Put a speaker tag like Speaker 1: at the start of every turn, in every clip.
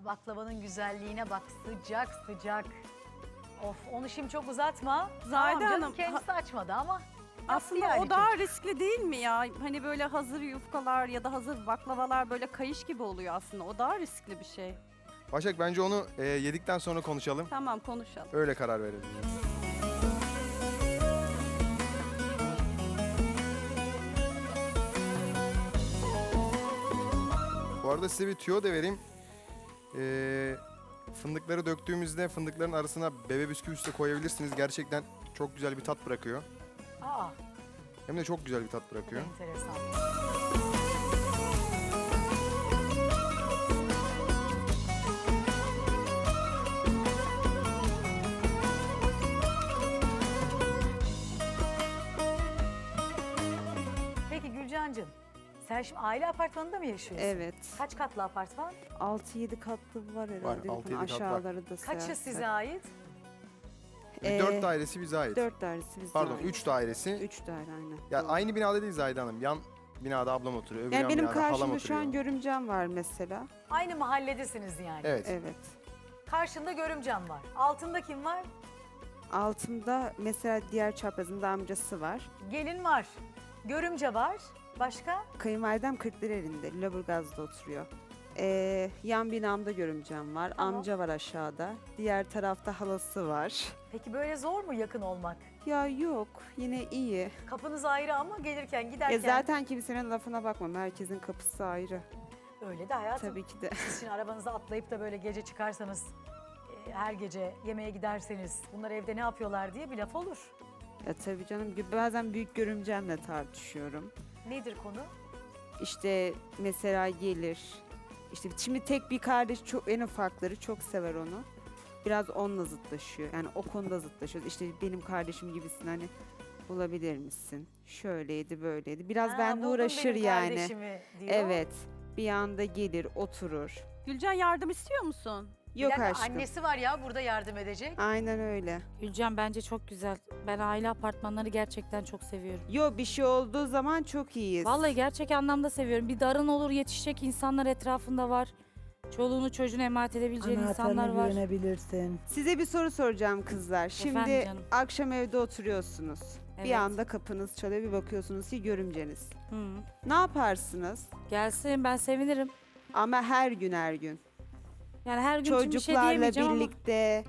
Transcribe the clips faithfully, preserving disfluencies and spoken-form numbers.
Speaker 1: Aa, baklavanın güzelliğine bak, sıcak sıcak. Of, onu şimdi çok uzatma.
Speaker 2: Zahide
Speaker 1: Tamam canım,
Speaker 2: Hanım,
Speaker 1: kendisi açmadı ama
Speaker 2: Aslında
Speaker 1: yani
Speaker 2: o daha
Speaker 1: çocuk.
Speaker 2: riskli değil mi ya? Hani böyle hazır yufkalar ya da hazır baklavalar böyle kayış gibi oluyor aslında. O daha riskli bir şey.
Speaker 3: Başak bence onu e, yedikten sonra konuşalım.
Speaker 2: Tamam, konuşalım.
Speaker 3: Öyle karar verelim. Bu arada size bir tüyo da vereyim. Ee, fındıkları döktüğümüzde fındıkların arasına bebe bisküvisi de koyabilirsiniz. Gerçekten çok güzel bir tat bırakıyor.
Speaker 1: Aa,
Speaker 3: Hem de çok güzel bir tat
Speaker 1: bu da
Speaker 3: bırakıyor.
Speaker 1: enteresan. Peki Gülcancığım, sen şimdi aile apartmanında mı yaşıyorsun?
Speaker 4: Evet.
Speaker 1: Kaç katlı apartman?
Speaker 4: altı yedi katlı var herhalde.
Speaker 3: altı yedi kat var.
Speaker 4: Aşağıları da
Speaker 1: Kaçı
Speaker 4: sayarsak.
Speaker 1: size ait?
Speaker 3: Bir
Speaker 4: Ee,
Speaker 3: dört dairesi bize ait.
Speaker 4: Dört dairesi bize
Speaker 3: Pardon
Speaker 4: ait.
Speaker 3: üç dairesi.
Speaker 4: Üç daire aynen.
Speaker 3: Ya
Speaker 4: Doğru.
Speaker 3: aynı binada değil Zahide Hanım. Yan binada ablam oturuyor. Öbür
Speaker 4: Yani
Speaker 3: yan
Speaker 4: benim
Speaker 3: binada halam
Speaker 4: karşımda
Speaker 3: oturuyor.
Speaker 4: şu an görümcem var mesela.
Speaker 1: Aynı mahalledesiniz yani.
Speaker 3: Evet.
Speaker 4: Evet.
Speaker 1: Karşında görümcem var. Altında kim var?
Speaker 4: Altımda mesela diğer çaprazımda amcası var.
Speaker 1: Gelin var. Görümce var. Başka?
Speaker 4: Kayınvalidem Kırklareli'nde, Lüleburgaz'da oturuyor. Ee, yan binamda görümcem var.
Speaker 1: Tamam.
Speaker 4: Amca var aşağıda. Diğer tarafta halası var.
Speaker 1: Peki böyle zor mu yakın olmak?
Speaker 4: Ya yok, yine iyi.
Speaker 1: Kapınız ayrı ama gelirken giderken
Speaker 4: Ya zaten kimsenin lafına bakmam. Herkesin kapısı ayrı.
Speaker 1: öyle de hayatım.
Speaker 4: Tabii ki de.
Speaker 1: Siz şimdi arabanıza atlayıp da böyle gece çıkarsanız, e, her gece yemeğe giderseniz bunlar evde ne yapıyorlar diye bir laf olur.
Speaker 4: Ya tabii canım. Bazen büyük görümcemle tartışıyorum.
Speaker 1: Nedir konu?
Speaker 4: İşte mesela gelir. İşte şimdi tek bir kardeş çok en ufakları çok sever onu. Biraz onunla zıtlaşıyor. Yani o konuda zıtlaşıyoruz. İşte benim kardeşim gibisin hani bulabilir misin? Şöyleydi böyleydi. Biraz
Speaker 1: Ha,
Speaker 4: benimle
Speaker 1: buldum
Speaker 4: uğraşır
Speaker 1: benim
Speaker 4: yani.
Speaker 1: kardeşimi diyor.
Speaker 4: Evet. Bir anda gelir, oturur.
Speaker 2: Gülcan, yardım istiyor musun?
Speaker 1: Bir
Speaker 4: Yok
Speaker 1: dakika,
Speaker 4: aşkım.
Speaker 1: annesi var ya burada yardım edecek.
Speaker 4: Aynen öyle.
Speaker 5: Gülcan bence çok güzel. Ben aile apartmanları gerçekten çok seviyorum.
Speaker 4: Yo bir şey olduğu zaman çok iyiyiz.
Speaker 5: Vallahi gerçek anlamda seviyorum. Bir darın olur yetişecek insanlar etrafında var. Çoluğunu çocuğunu emanet edebileceğin insanlar
Speaker 6: Anahtarına
Speaker 5: var.
Speaker 6: güvenebilirsin.
Speaker 4: Size bir soru soracağım kızlar. Şimdi
Speaker 5: Efendim canım.
Speaker 4: akşam evde oturuyorsunuz. Bir
Speaker 5: Evet.
Speaker 4: anda kapınız çalıyor, bir bakıyorsunuz ki görümceniz.
Speaker 5: Hı.
Speaker 4: Ne yaparsınız?
Speaker 5: Gelsin, ben sevinirim.
Speaker 4: Ama her gün her gün.
Speaker 5: Yani her gün için bir şey
Speaker 4: Çocuklarla
Speaker 5: diyemeyeceğim
Speaker 4: birlikte.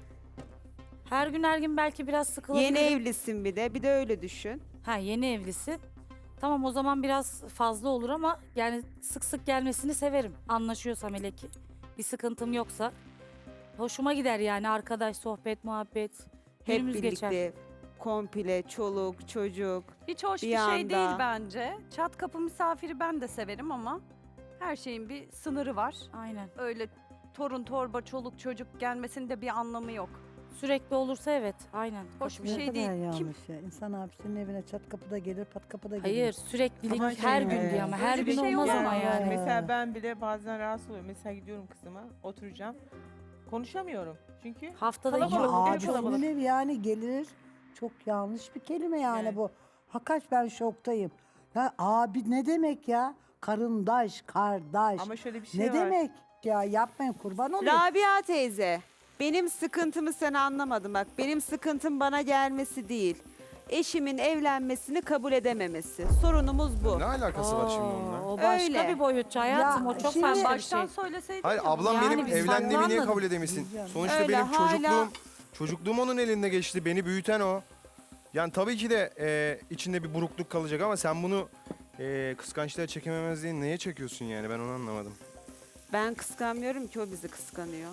Speaker 5: ama her gün her gün belki biraz sıkılabilirim.
Speaker 4: Yeni evlisin bir de. Bir de öyle düşün.
Speaker 5: Ha, yeni evlisin. Tamam, o zaman biraz fazla olur ama yani sık sık gelmesini severim. Anlaşıyorsam hele ki. Bir sıkıntım yoksa. Hoşuma gider yani, arkadaş, sohbet, muhabbet.
Speaker 4: Hep
Speaker 5: Günümüz
Speaker 4: birlikte.
Speaker 5: geçer.
Speaker 4: Komple çoluk, çocuk.
Speaker 2: Hiç hoş
Speaker 4: Bir
Speaker 2: bir, şey
Speaker 4: anda.
Speaker 2: değil bence. Çat kapı misafiri ben de severim ama her şeyin bir sınırı var.
Speaker 5: Aynen.
Speaker 2: Öyle torun torba çoluk çocuk gelmesinin de bir anlamı yok.
Speaker 5: Sürekli olursa evet, aynen.
Speaker 2: Hoş bir
Speaker 6: Ne
Speaker 2: şey
Speaker 6: kadar
Speaker 2: değil.
Speaker 6: yanlış
Speaker 2: Kim
Speaker 6: ya. İnsan abisinin evine çat kapıda gelir, pat kapıda gelir.
Speaker 5: Hayır, süreklilik
Speaker 6: Ama
Speaker 5: her
Speaker 6: şey,
Speaker 5: gün
Speaker 6: e,
Speaker 5: diye ama her
Speaker 2: öyle bir
Speaker 5: gün
Speaker 2: şey
Speaker 5: olmaz
Speaker 2: olamaz.
Speaker 5: ama yani.
Speaker 7: Mesela ben bile bazen rahatsız oluyorum. Mesela gidiyorum kızıma, oturacağım. Konuşamıyorum. Çünkü
Speaker 5: Haftada iki
Speaker 7: Kalabalık.
Speaker 6: Ama
Speaker 7: ev
Speaker 5: olur.
Speaker 7: kalabalık.
Speaker 6: abisinin evi yani gelir. Çok yanlış bir kelime yani
Speaker 7: Evet.
Speaker 6: bu. Hakikat ben şoktayım. Ya abi ne demek ya? Karındaş, kardeş.
Speaker 7: ama şöyle bir şey
Speaker 6: ne
Speaker 7: var.
Speaker 6: demek? Ya yapmayın kurban olayım.
Speaker 4: Rabia teyze, benim sıkıntımı sen anlamadın bak. Benim sıkıntım bana gelmesi değil. Eşimin evlenmesini kabul edememesi. Sorunumuz bu.
Speaker 3: Ne alakası var şimdi onunla?
Speaker 5: Oo, o başka
Speaker 4: Öyle.
Speaker 5: bir boyut hayatım,
Speaker 6: Ya
Speaker 5: o çok
Speaker 6: şimdi-
Speaker 5: başka bir
Speaker 2: Baştan
Speaker 5: şey.
Speaker 2: söyleseydin
Speaker 3: Hayır
Speaker 2: ya.
Speaker 3: ablam
Speaker 5: Yani
Speaker 3: benim
Speaker 5: biz
Speaker 3: evlendiğimi niye
Speaker 5: farklı
Speaker 3: kabul
Speaker 5: anladık.
Speaker 3: edemesin?
Speaker 6: Bilmiyorum.
Speaker 3: Sonuçta
Speaker 4: Öyle,
Speaker 3: benim
Speaker 4: hala-
Speaker 3: çocukluğum çocukluğum onun elinde geçti. Beni büyüten o. Yani tabii ki de e, içinde bir burukluk kalacak ama sen bunu e, kıskançlığa çekememezliğini neye çekiyorsun yani ben onu anlamadım.
Speaker 4: Ben kıskanmıyorum ki, o bizi kıskanıyor.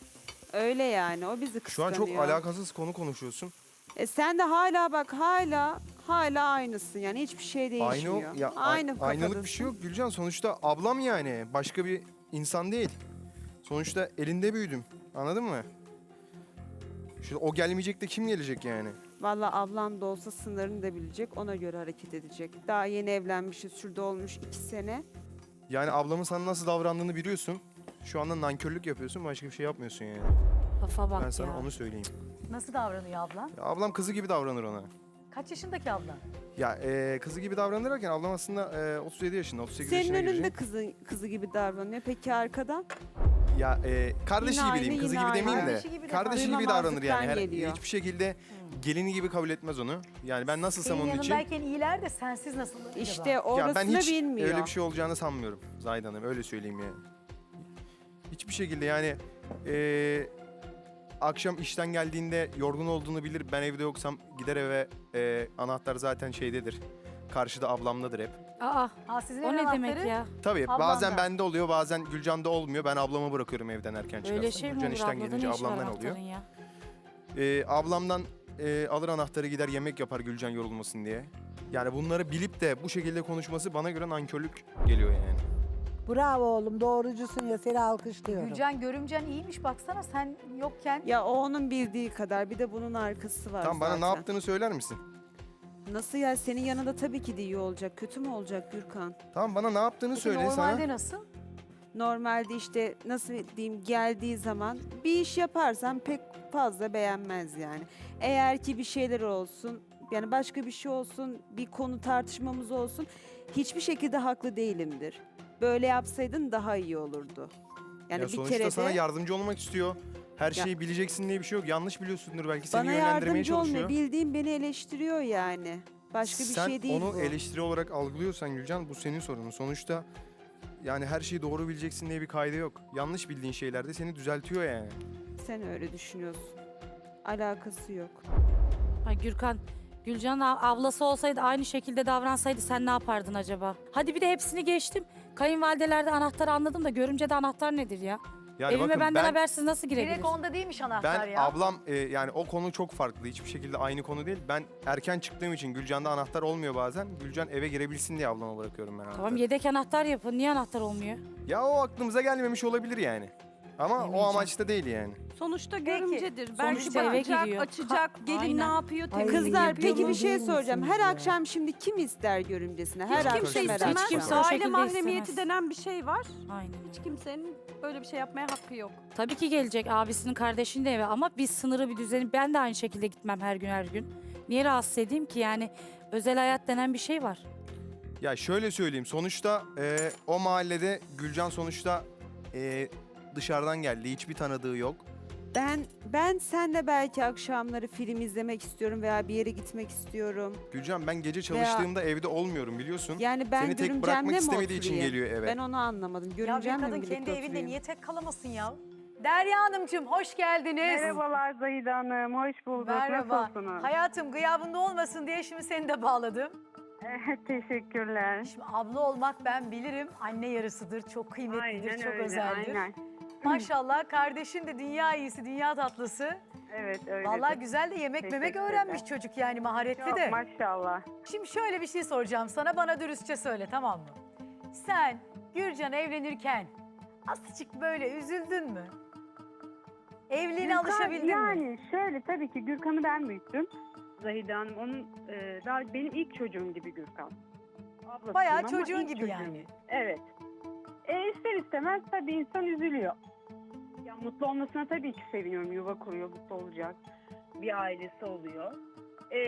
Speaker 4: Öyle yani, o bizi
Speaker 3: Şu
Speaker 4: kıskanıyor.
Speaker 3: an çok alakasız konu konuşuyorsun.
Speaker 4: E sen de hala bak hala hala aynısın yani, hiçbir şey değişmiyor.
Speaker 3: Aynı o- ya
Speaker 4: Aynı
Speaker 3: ay- aynalık
Speaker 4: kafadasın.
Speaker 3: bir şey yok Gülcan. Sonuçta ablam yani başka bir insan değil. Sonuçta elinde büyüdüm. Anladın mı? Şimdi o gelmeyecek de kim gelecek yani?
Speaker 4: Vallahi ablam da olsa sınırını da bilecek, ona göre hareket edecek. Daha yeni evlenmişiz, şurada olmuş iki sene.
Speaker 3: Yani ablamın sana nasıl davrandığını biliyorsun. Şu anda nankörlük yapıyorsun, başka bir şey yapmıyorsun yani.
Speaker 5: Kafa bak
Speaker 3: Ben sana
Speaker 5: ya.
Speaker 3: onu söyleyeyim.
Speaker 1: Nasıl davranıyor ablan?
Speaker 3: Ya ablam kızı gibi davranır ona.
Speaker 1: Kaç yaşındaki ablan?
Speaker 3: Ya e, kızı gibi davranır derken ablam aslında e, otuz yedi yaşında, otuz sekiz
Speaker 4: Senin
Speaker 3: yaşına
Speaker 4: önünde
Speaker 3: girecek.
Speaker 4: kızı, kızı gibi davranıyor. Peki arkadan?
Speaker 3: Ya e, kardeşi
Speaker 4: Yine
Speaker 3: gibi diyeyim,
Speaker 4: aynı,
Speaker 3: kızı
Speaker 4: yine
Speaker 3: gibi
Speaker 4: aynı.
Speaker 3: demeyeyim de.
Speaker 1: Kardeşi gibi de
Speaker 3: Kardeşi gibi davranır yani. Her,
Speaker 4: Duymamazlıktan geliyor.
Speaker 3: hiçbir şekilde gelini gibi kabul etmez onu. Yani ben nasılsam
Speaker 1: Senin
Speaker 3: onun için.
Speaker 1: yanındayken iyiler de sensiz nasıl acaba?
Speaker 4: İşte
Speaker 3: Ya
Speaker 4: orasını
Speaker 3: ben hiç
Speaker 4: bilmiyor.
Speaker 3: öyle bir şey olacağını sanmıyorum Zahide Hanım, öyle söyleyeyim yani. Hiçbir şekilde yani e, akşam işten geldiğinde yorgun olduğunu bilir. Ben evde yoksam gider eve, e, anahtar zaten şeydedir. Karşıda ablamdadır hep.
Speaker 5: Aa,
Speaker 1: Ha, sizin
Speaker 5: o
Speaker 1: evin
Speaker 5: ne demek
Speaker 1: anahtarı
Speaker 5: ya?
Speaker 3: Tabii
Speaker 1: Ablamda.
Speaker 3: bazen bende oluyor, bazen Gülcan'da olmuyor. Ben ablamı bırakıyorum evden erken çıkarsın.
Speaker 5: Öyle şey mi
Speaker 3: Gülcan
Speaker 5: olur?
Speaker 3: işten
Speaker 5: Ablada
Speaker 3: gelince
Speaker 5: ne işi var
Speaker 3: ablamdan oluyor.
Speaker 5: anahtarın ya?
Speaker 3: Ee, ablamdan e, alır anahtarı gider yemek yapar Gülcan yorulmasın diye. Yani bunları bilip de bu şekilde konuşması bana göre nankörlük geliyor yani.
Speaker 6: Bravo oğlum, doğrucusun ya, seni alkışlıyorum.
Speaker 1: Gülcan görümcen iyiymiş baksana sen yokken.
Speaker 4: Ya o onun bildiği kadar, bir de bunun arkası var
Speaker 3: Tamam, bana
Speaker 4: zaten.
Speaker 3: ne yaptığını söyler misin?
Speaker 4: Nasıl ya, senin yanında tabii ki de iyi olacak. Kötü mü olacak Gürkan?
Speaker 3: Tamam, bana ne yaptığını
Speaker 1: Peki
Speaker 3: söyle
Speaker 1: normalde
Speaker 3: sana.
Speaker 1: nasıl?
Speaker 4: Normalde işte nasıl diyeyim, geldiği zaman bir iş yaparsam pek fazla beğenmez yani. Eğer ki bir şeyler olsun, yani başka bir şey olsun, bir konu tartışmamız olsun, hiçbir şekilde haklı değilimdir. Böyle yapsaydın daha iyi olurdu. Yani
Speaker 3: Ya
Speaker 4: bir
Speaker 3: sonuçta
Speaker 4: kere de
Speaker 3: sana yardımcı olmak istiyor. Her
Speaker 4: Ya-
Speaker 3: şeyi bileceksin diye bir şey yok. Yanlış biliyorsundur belki, seni
Speaker 4: bana
Speaker 3: yönlendirmeye
Speaker 4: yardımcı
Speaker 3: çalışıyor.
Speaker 4: olmuyor. Bildiğim beni eleştiriyor yani. Başka bir
Speaker 3: Sen
Speaker 4: şey değil
Speaker 3: onu
Speaker 4: bu.
Speaker 3: eleştiri olarak algılıyorsan Gülcan, bu senin sorunun. Sonuçta yani her şeyi doğru bileceksin diye bir kaydı yok. Yanlış bildiğin şeylerde seni düzeltiyor yani.
Speaker 4: Sen öyle düşünüyorsun. Alakası yok.
Speaker 5: Ay Gürkan, Gülcan'ın av- ablası olsaydı aynı şekilde davransaydı sen ne yapardın acaba? Hadi bir de hepsini geçtim. Kayınvalidelerde anahtarı anladım da görümcede anahtar nedir ya?
Speaker 3: Yani
Speaker 5: Evime
Speaker 3: bakın
Speaker 5: benden
Speaker 3: ben,
Speaker 5: habersiz nasıl girebilir?
Speaker 1: Direkt onda değilmiş anahtar
Speaker 3: ben
Speaker 1: ya.
Speaker 3: ablam e, yani o konu çok farklı. Hiçbir şekilde aynı konu değil. Ben erken çıktığım için Gülcan'da anahtar olmuyor bazen. Gülcan eve girebilsin diye ablama bırakıyorum ben anahtarı.
Speaker 5: Tamam, yedek anahtar yapın. Niye anahtar olmuyor?
Speaker 3: Ya o aklımıza gelmemiş olabilir yani. Ama o
Speaker 5: Yemeyeceğim.
Speaker 3: amaçta değil yani.
Speaker 2: Sonuçta
Speaker 1: Peki,
Speaker 2: görümcedir. Belki
Speaker 5: sonuçta eve
Speaker 2: bakacak,
Speaker 5: giriyor.
Speaker 2: açacak, gelin
Speaker 5: Aynen.
Speaker 2: ne yapıyor,
Speaker 6: Ay,
Speaker 2: temizlik
Speaker 4: Kızlar
Speaker 2: yapıyor
Speaker 4: peki
Speaker 2: mu?
Speaker 4: bir şey
Speaker 6: değil
Speaker 4: soracağım.
Speaker 6: misiniz
Speaker 4: Her
Speaker 6: ya?
Speaker 4: akşam şimdi kim ister görümcesine? Her
Speaker 2: Hiç
Speaker 3: akşam
Speaker 2: kimse
Speaker 3: her
Speaker 2: istemez.
Speaker 3: akşam.
Speaker 5: Kimse o
Speaker 2: Aile
Speaker 5: şekilde
Speaker 2: mahremiyeti
Speaker 5: istemez.
Speaker 2: denen bir şey var.
Speaker 5: Aynen öyle.
Speaker 2: Hiç kimsenin böyle bir şey yapmaya hakkı yok.
Speaker 5: Tabii ki gelecek abisinin kardeşinin de eve ama bir sınırı, bir düzeni, ben de aynı şekilde gitmem her gün her gün. Niye rahatsız edeyim ki yani, özel hayat denen bir şey var.
Speaker 3: Ya şöyle söyleyeyim. Sonuçta e, o mahallede Gülcan sonuçta e, dışarıdan geldi. Hiçbir tanıdığı yok.
Speaker 4: Ben ben senle belki akşamları film izlemek istiyorum veya bir yere gitmek istiyorum.
Speaker 3: Gülcan, ben gece çalıştığımda evde olmuyorum biliyorsun.
Speaker 4: Yani ben
Speaker 3: Seni tek
Speaker 4: görümcemle
Speaker 3: bırakmak
Speaker 4: mi
Speaker 3: istemediği için
Speaker 4: oturayım?
Speaker 3: geliyor eve.
Speaker 4: Ben onu anlamadım.
Speaker 1: Ya bir
Speaker 4: Görümcemle mi
Speaker 1: kadın
Speaker 4: birlikte
Speaker 1: kendi evinde
Speaker 4: oturayım?
Speaker 1: niye tek kalamasın ya? Derya Hanımcığım hoş geldiniz.
Speaker 8: Merhabalar Zahide Hanım, hoş bulduk.
Speaker 1: Merhaba.
Speaker 8: Nasılsınız?
Speaker 1: Hayatım gıyabında olmasın diye şimdi seni de bağladım.
Speaker 8: Evet, teşekkürler.
Speaker 1: Şimdi abla olmak ben bilirim anne yarısıdır, çok kıymetlidir,
Speaker 8: Aynen
Speaker 1: çok
Speaker 8: öyle,
Speaker 1: özeldir.
Speaker 8: aynen.
Speaker 1: Maşallah kardeşin de dünya iyisi, dünya tatlısı.
Speaker 8: Evet, öyle.
Speaker 1: Vallahi güzel de yemek
Speaker 8: Teşekkür
Speaker 1: memek
Speaker 8: ederim.
Speaker 1: öğrenmiş çocuk yani maharetli
Speaker 8: Çok
Speaker 1: de.
Speaker 8: maşallah.
Speaker 1: Şimdi şöyle bir şey soracağım sana, bana dürüstçe söyle, tamam mı? Sen Gürcan evlenirken azıcık böyle üzüldün mü? Evliliğine
Speaker 8: Gürkan,
Speaker 1: alışabildin
Speaker 8: yani
Speaker 1: mi?
Speaker 8: şöyle, tabii ki Gürkan'ı ben büyüttüm. Zahide Hanım, onun e, daha benim ilk çocuğum gibi Gürkan. Ablasıyım
Speaker 1: Bayağı
Speaker 8: ama
Speaker 1: çocuğun
Speaker 8: ilk
Speaker 1: gibi
Speaker 8: çocuğum.
Speaker 1: yani.
Speaker 8: Evet. E, ister istemez tabii insan üzülüyor. Ya mutlu olmasına tabii ki seviniyorum. Yuva kuruyor, mutlu olacak. Bir ailesi oluyor. E,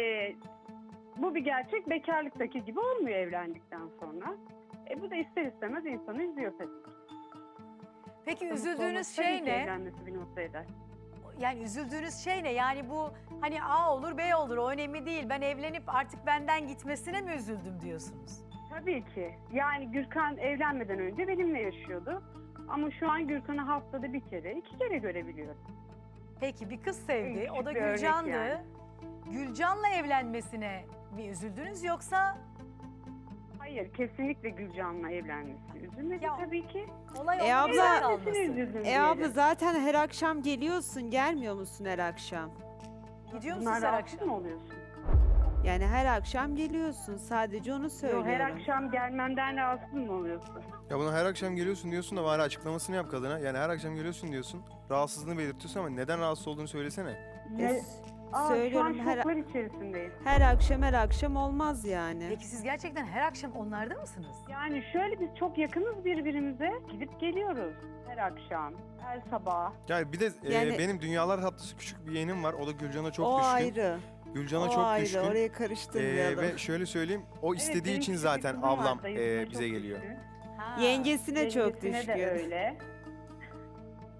Speaker 8: bu bir gerçek. Bekarlıktaki gibi olmuyor evlendikten sonra. E, bu da ister istemez insanı üzüyor tabii.
Speaker 1: Peki
Speaker 8: Mutlu
Speaker 1: üzüldüğünüz
Speaker 8: olması tabii
Speaker 1: şey
Speaker 8: ki
Speaker 1: ne?
Speaker 8: Evlenmesi beni mutlu eder.
Speaker 1: Yani üzüldüğünüz şey ne? Yani bu hani A olur B olur, o önemli değil. Ben evlenip artık benden gitmesine mi üzüldüm diyorsunuz?
Speaker 8: Tabii ki. Yani Gürkan evlenmeden önce benimle yaşıyordu. Ama şu an Gürkan'ı haftada bir kere, iki kere görebiliyorum.
Speaker 1: Peki bir kız sevdi,
Speaker 8: En
Speaker 1: o da
Speaker 8: küçük bir örnek
Speaker 1: Gülcan'dı.
Speaker 8: yani.
Speaker 1: Gülcan'la evlenmesine mi üzüldünüz yoksa
Speaker 8: Hayır, kesinlikle Gülcan'la evlenmesine üzülmedi
Speaker 1: Ya-
Speaker 8: tabii ki.
Speaker 1: olay
Speaker 4: E
Speaker 1: onun
Speaker 4: abla-
Speaker 1: güzel
Speaker 8: Evlenmesine
Speaker 1: kalması?
Speaker 8: üzüldüm
Speaker 4: E
Speaker 8: diyelim.
Speaker 4: abla zaten her akşam geliyorsun, gelmiyor musun her akşam?
Speaker 1: Gidiyor musunuz
Speaker 8: Bunlar
Speaker 1: her
Speaker 8: rahatsız
Speaker 1: akşam?
Speaker 8: mı oluyorsun?
Speaker 4: Yani her akşam geliyorsun, sadece onu
Speaker 8: Yok,
Speaker 4: söylüyorum.
Speaker 8: her akşam gelmemden rahatsız mı oluyorsun?
Speaker 3: Ya bunu her akşam geliyorsun diyorsun da bari açıklamasını yap kadına. Yani her akşam geliyorsun diyorsun. Rahatsızlığını belirtiyorsun ama neden rahatsız olduğunu söylesene.
Speaker 4: E,
Speaker 8: Ne?
Speaker 4: s-
Speaker 8: Aa,
Speaker 4: söylüyorum
Speaker 8: şu an
Speaker 4: her,
Speaker 8: şoklar içerisindeyim.
Speaker 4: her akşam her akşam olmaz yani.
Speaker 1: Peki siz gerçekten her akşam onlarda mısınız?
Speaker 8: Yani şöyle, biz çok yakınız birbirimize. Gidip geliyoruz her akşam, her sabah.
Speaker 3: Yani bir de e,
Speaker 4: Yani-
Speaker 3: benim dünyalar tatlısı küçük bir yeğenim var. O da Gülcan'a çok
Speaker 4: o
Speaker 3: düşkün.
Speaker 4: ayrı.
Speaker 3: Gülcan'a
Speaker 4: o
Speaker 3: çok
Speaker 4: ayrı.
Speaker 3: düşkün.
Speaker 4: Orayı
Speaker 3: E,
Speaker 4: karıştırmayalım.
Speaker 3: ve şöyle söyleyeyim, o
Speaker 8: Evet,
Speaker 3: istediği
Speaker 8: benim
Speaker 3: için
Speaker 8: küçük
Speaker 3: zaten
Speaker 8: bir kızım var,
Speaker 3: ablam
Speaker 8: dayısına
Speaker 3: e,
Speaker 8: çok
Speaker 3: bize geliyor.
Speaker 8: düşkün.
Speaker 1: Ha.
Speaker 4: Yengesine çok
Speaker 8: Yengesine
Speaker 4: düşkün.
Speaker 8: de öyle.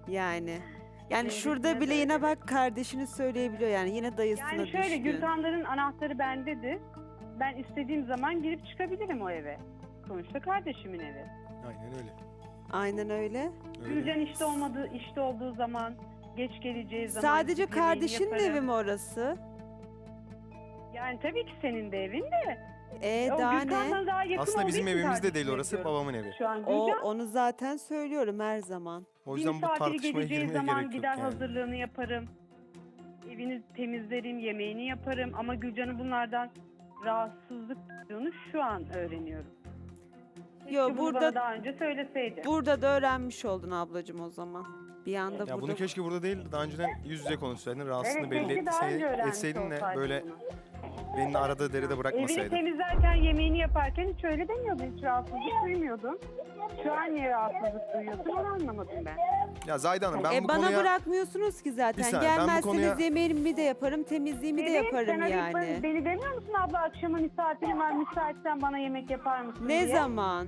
Speaker 4: Yani. Yani
Speaker 8: Evet,
Speaker 4: şurada
Speaker 8: evet,
Speaker 4: bile
Speaker 8: evet,
Speaker 4: yine
Speaker 8: evet.
Speaker 4: bak kardeşini söyleyebiliyor yani yine dayısına
Speaker 8: Yani şöyle
Speaker 4: düşkün.
Speaker 8: Gültanların anahtarı bendedir. Ben istediğim zaman girip çıkabilirim o eve. Sonuçta kardeşimin evi.
Speaker 3: Aynen öyle.
Speaker 4: Aynen öyle.
Speaker 3: öyle.
Speaker 8: Gülcan işte olmadığı, işte olduğu zaman, geç geleceği zaman
Speaker 4: Sadece
Speaker 8: yemeğini
Speaker 4: kardeşinin
Speaker 8: yaparım.
Speaker 4: evi mi orası?
Speaker 8: Yani tabii ki senin de evin de.
Speaker 4: E
Speaker 8: o
Speaker 4: daha
Speaker 8: Gülkan'dan
Speaker 4: ne?
Speaker 8: daha yakın
Speaker 3: Aslında
Speaker 8: olduğu
Speaker 3: bizim
Speaker 8: için
Speaker 3: evimiz de değil
Speaker 8: kardeşine
Speaker 3: orası,
Speaker 8: diyorum.
Speaker 3: babamın evi.
Speaker 8: Şu an
Speaker 4: O
Speaker 8: Gülcan
Speaker 4: onu zaten söylüyorum her zaman.
Speaker 3: O
Speaker 8: bir
Speaker 3: yüzden bu
Speaker 8: misafiri
Speaker 3: tartışmaya
Speaker 8: geleceği
Speaker 3: girmeye
Speaker 8: zaman
Speaker 3: gerek yok
Speaker 8: gider
Speaker 3: yani.
Speaker 8: hazırlığını yaparım. Evini temizlerim, yemeğini yaparım. Ama Gülcan'ın bunlardan rahatsızlık duyduğunu şu an öğreniyorum. Keşke
Speaker 4: Yo,
Speaker 8: bunu
Speaker 4: burada-
Speaker 8: bana daha önce söyleseydi.
Speaker 4: Burada da öğrenmiş oldun ablacığım o zaman. Bir anda
Speaker 3: Ya
Speaker 4: burada.
Speaker 3: bunu keşke burada değil, daha önceden yüz yüze konuşsaydın, rahatsızlığını
Speaker 8: Evet,
Speaker 3: belli
Speaker 8: keşke daha önce
Speaker 3: etseydin,
Speaker 8: öğrenmiş
Speaker 3: etseydin de
Speaker 8: olsaydım
Speaker 3: böyle
Speaker 8: bunu.
Speaker 3: beni arada deride
Speaker 8: Evini
Speaker 3: bırakmasaydın.
Speaker 8: temizlerken, yemeğini yaparken hiç öyle demiyordun. Hiç rahatsızlık duymuyordun. Şu an niye rahatsızlık duyuyorsun onu anlamadım ben.
Speaker 3: Ya Zahide Hanım ben
Speaker 4: e
Speaker 3: bu
Speaker 4: bana
Speaker 3: konuya...
Speaker 4: bırakmıyorsunuz ki zaten.
Speaker 3: Bir saniye, ben bu
Speaker 4: Gelmezseniz
Speaker 3: konuya-
Speaker 4: yemeğimi de yaparım, temizliğimi de
Speaker 8: Bebeğim,
Speaker 4: yaparım
Speaker 8: sen arayıp
Speaker 4: yani.
Speaker 8: Beni, beni demiyor musun abla akşama misafirim var müsaitsen bana yemek yapar mısın
Speaker 4: Ne
Speaker 8: diye?
Speaker 4: zaman?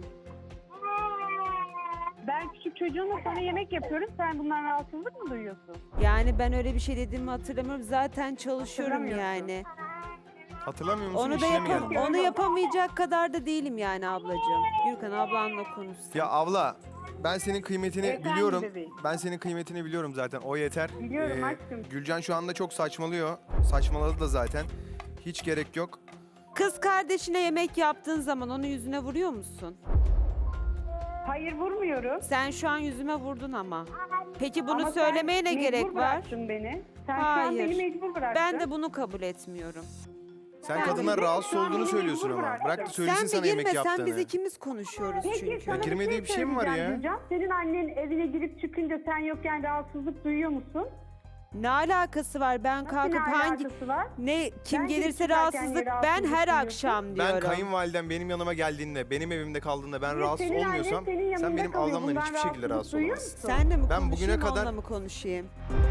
Speaker 8: Ben küçük çocuğumla sana yemek yapıyorum. Sen bundan rahatsızlık mı duyuyorsun?
Speaker 4: Yani ben öyle bir şey dediğimi hatırlamıyorum. Zaten çalışıyorum
Speaker 8: Hatırlamıyorsun.
Speaker 4: yani.
Speaker 3: Hatırlamıyor musun?
Speaker 4: Onu da
Speaker 3: İşine mi
Speaker 4: yapam
Speaker 3: geldin?
Speaker 4: onu yapamayacak kadar da değilim yani ablacığım. Gürkan ablanla konuşsun.
Speaker 3: Ya abla ben senin kıymetini
Speaker 8: Efendim
Speaker 3: biliyorum.
Speaker 8: bebeğim.
Speaker 3: Ben senin kıymetini biliyorum zaten. O yeter.
Speaker 8: Biliyorum aşkım.
Speaker 3: Gülcan şu anda çok saçmalıyor. Saçmaladı da zaten. Hiç gerek yok.
Speaker 4: Kız kardeşine yemek yaptığın zaman onun yüzüne vuruyor musun?
Speaker 8: Hayır vurmuyorum.
Speaker 4: Sen şu an yüzüme vurdun ama. Peki bunu
Speaker 8: Ama sen
Speaker 4: söylemeye ne
Speaker 8: mecbur
Speaker 4: gerek var?
Speaker 8: bıraktın beni. Sen şu an
Speaker 4: Hayır.
Speaker 8: beni mecbur bıraktın.
Speaker 4: Ben de bunu kabul etmiyorum.
Speaker 3: Sen
Speaker 8: Ben
Speaker 3: kadınlar
Speaker 8: de-
Speaker 3: rahatsız
Speaker 8: şu an
Speaker 3: olduğunu
Speaker 8: beni
Speaker 3: söylüyorsun
Speaker 8: mecbur
Speaker 3: ama.
Speaker 8: bıraktın.
Speaker 3: Bırak da söylesin
Speaker 4: Sen
Speaker 3: sana
Speaker 4: bir girme,
Speaker 3: yemek
Speaker 4: sen
Speaker 3: yaptığını.
Speaker 4: biz ikimiz konuşuyoruz
Speaker 8: Peki
Speaker 4: çünkü.
Speaker 8: sana
Speaker 3: girmediği bir şey mi var
Speaker 8: söyleyeceğim
Speaker 3: ya?
Speaker 8: Gülcan. Senin annen evine girip çıkınca sen yokken rahatsızlık duyuyor musun?
Speaker 4: Ne alakası var? Ben
Speaker 8: Nasıl
Speaker 4: kalkıp
Speaker 8: ne
Speaker 4: hangi
Speaker 8: alakası var?
Speaker 4: ne kim
Speaker 8: Ben
Speaker 4: gelirse
Speaker 8: girip çıkarken
Speaker 4: rahatsızlık
Speaker 8: niye
Speaker 4: ben
Speaker 8: rahatsızlık
Speaker 4: her
Speaker 8: duyuyorsun?
Speaker 4: akşam
Speaker 3: Ben
Speaker 4: diyorum.
Speaker 3: kayınvalidem benim yanıma geldiğinde, benim evimde kaldığında ben
Speaker 8: Evet,
Speaker 3: rahatsız
Speaker 8: senin annen
Speaker 3: olmuyorsam
Speaker 8: senin yanında
Speaker 3: sen benim
Speaker 8: kalıyor.
Speaker 3: ablamdan
Speaker 8: Bundan
Speaker 3: hiçbir şekilde
Speaker 8: rahatsızlık
Speaker 3: rahatsız
Speaker 8: duyuyor
Speaker 3: olamazsın.
Speaker 8: musun?
Speaker 4: Sen de mi
Speaker 3: Ben bugüne
Speaker 4: konuşayım
Speaker 3: kadar-
Speaker 4: onunla mı konuşayım?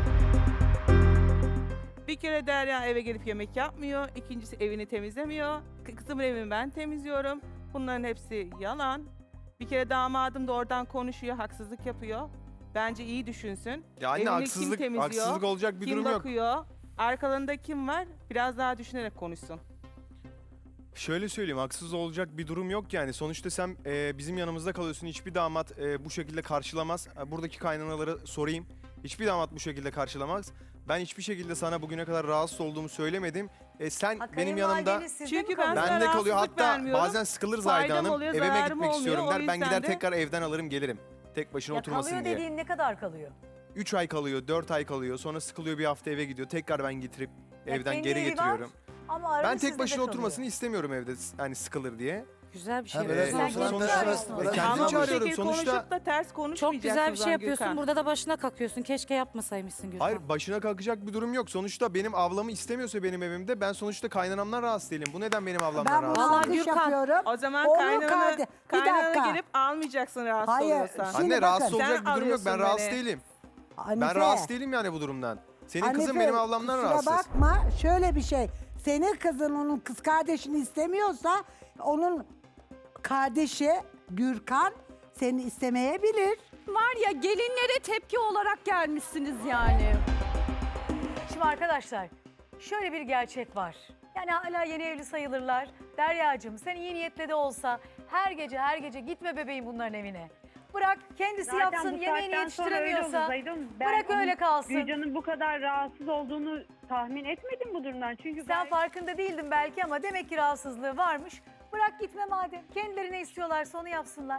Speaker 7: Bir kere Derya eve gelip yemek yapmıyor. İkincisi evini temizlemiyor. Kı- Kızımın evini ben temizliyorum. Bunların hepsi yalan. Bir kere damadım da oradan konuşuyor, haksızlık yapıyor. Bence iyi düşünsün.
Speaker 3: Ya anne
Speaker 7: Evini kim
Speaker 3: haksızlık,
Speaker 7: temizliyor?
Speaker 3: haksızlık olacak bir
Speaker 7: kim
Speaker 3: durum yok.
Speaker 7: bakıyor? Arkalarında kim var? Biraz daha düşünerek konuşsun.
Speaker 3: Şöyle söyleyeyim, haksız olacak bir durum yok yani. Sonuçta sen e, bizim yanımızda kalıyorsun. Hiçbir damat e, bu şekilde karşılamaz. E, Buradaki kaynanaları sorayım. Hiçbir damat bu şekilde karşılamaz. Ben hiçbir şekilde sana bugüne kadar rahatsız olduğumu söylemedim. E, sen
Speaker 1: Ha,
Speaker 3: benim yanımda...
Speaker 1: kayınvalideniz sizde
Speaker 7: Çünkü
Speaker 1: mi
Speaker 7: ben
Speaker 1: kalıyor?
Speaker 7: sana
Speaker 3: Bende kalıyor.
Speaker 7: rahatsızlık
Speaker 3: Hatta
Speaker 7: vermiyorum.
Speaker 3: bazen sıkılır Zahide
Speaker 7: Faydam
Speaker 3: Hanım.
Speaker 7: oluyor,
Speaker 3: Evime
Speaker 7: zararım
Speaker 3: gitmek
Speaker 7: olmuyor.
Speaker 3: istiyorum
Speaker 7: O
Speaker 3: der. Ben
Speaker 7: yüzden
Speaker 3: gider
Speaker 7: de-
Speaker 3: tekrar evden alırım gelirim. Tek başına
Speaker 1: Ya
Speaker 3: oturmasın
Speaker 1: kalıyor
Speaker 3: diye.
Speaker 1: dediğin ne kadar kalıyor?
Speaker 3: üç ay kalıyor, dört ay kalıyor. Sonra sıkılıyor, bir hafta eve gidiyor. Tekrar ben getirip
Speaker 1: Ya
Speaker 3: evden
Speaker 1: kendi
Speaker 3: geri
Speaker 1: evi var
Speaker 3: getiriyorum.
Speaker 1: Ama arada
Speaker 3: Ben
Speaker 1: sizde
Speaker 3: tek
Speaker 1: de
Speaker 3: başına
Speaker 1: kalıyor.
Speaker 3: oturmasını istemiyorum evde hani sıkılır diye.
Speaker 5: Güzel bir şey.
Speaker 9: Ha,
Speaker 5: bu.
Speaker 9: böyle
Speaker 1: Sen
Speaker 3: Sonuçta-
Speaker 1: kendin
Speaker 3: sonuçta-
Speaker 1: çağırıyorsun.
Speaker 3: E, kendimi
Speaker 7: Ama bu
Speaker 3: çağırıyorum.
Speaker 7: şekilde
Speaker 3: Sonuçta-
Speaker 7: konuşup da ters
Speaker 5: Çok
Speaker 7: konuşmayacaksın
Speaker 5: güzel bir şey
Speaker 7: Gülkan.
Speaker 5: yapıyorsun. Burada da başına kakıyorsun. Keşke yapmasaymışsın Gülkan.
Speaker 3: Hayır, başına kalkacak bir durum yok. Sonuçta benim ablamı istemiyorsa benim evimde, ben sonuçta kaynanamdan rahatsız değilim. Bu neden benim ablamdan
Speaker 6: Ben
Speaker 3: rahatsız?
Speaker 6: bunu
Speaker 5: Vallahi
Speaker 6: yanlış
Speaker 5: Gürkan,
Speaker 6: yapıyorum.
Speaker 7: O zaman
Speaker 6: Olur
Speaker 7: kaynana,
Speaker 6: kardeş. Bir
Speaker 7: kaynana
Speaker 6: dakika.
Speaker 7: gelip almayacaksın rahatsız
Speaker 6: Hayır,
Speaker 7: oluyorsan.
Speaker 6: şimdi
Speaker 3: Anne
Speaker 6: bakın.
Speaker 3: rahatsız olacak
Speaker 7: Sen
Speaker 3: bir durum yok. Ben
Speaker 7: alıyorsun
Speaker 3: rahatsız
Speaker 7: beni.
Speaker 3: değilim.
Speaker 6: Hanife,
Speaker 3: Ben rahatsız değilim yani bu durumdan. Senin kızın
Speaker 6: Hanife,
Speaker 3: benim ablamdan
Speaker 6: kusura
Speaker 3: rahatsız.
Speaker 6: bakma, şöyle bir şey. Senin kızın onun kız kardeşini istemiyorsa onun kardeşi Gürkan seni istemeyebilir.
Speaker 2: Var ya gelinlere tepki olarak gelmişsiniz yani.
Speaker 1: Şimdi arkadaşlar şöyle bir gerçek var. Yani hala yeni evli sayılırlar. Deryacığım sen iyi niyetle de olsa her gece her gece gitme bebeğim bunların evine. Bırak kendisi
Speaker 8: Zaten
Speaker 1: yapsın,
Speaker 8: bu
Speaker 1: yemeğini
Speaker 8: saatten sonra öyle olur
Speaker 1: yetiştiremiyorsa
Speaker 8: Zahide Hanım. Ben
Speaker 1: bırak
Speaker 8: onun-
Speaker 1: öyle kalsın.
Speaker 8: Gülcan'ın bu kadar rahatsız olduğunu tahmin etmedim bu durumdan. Çünkü
Speaker 1: Sen
Speaker 8: gayet-
Speaker 1: farkında değildin belki ama demek ki rahatsızlığı varmış. Bırak gitme madem. Kendileri ne istiyorlarsa onu yapsınlar.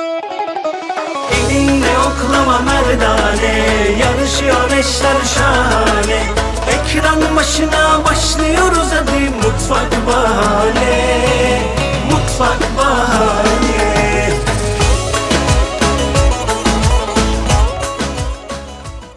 Speaker 10: Elinle oklama merdane, yarışıyor eşler şahane. Ekran başına başlıyoruz hadi mutfak bahane, mutfak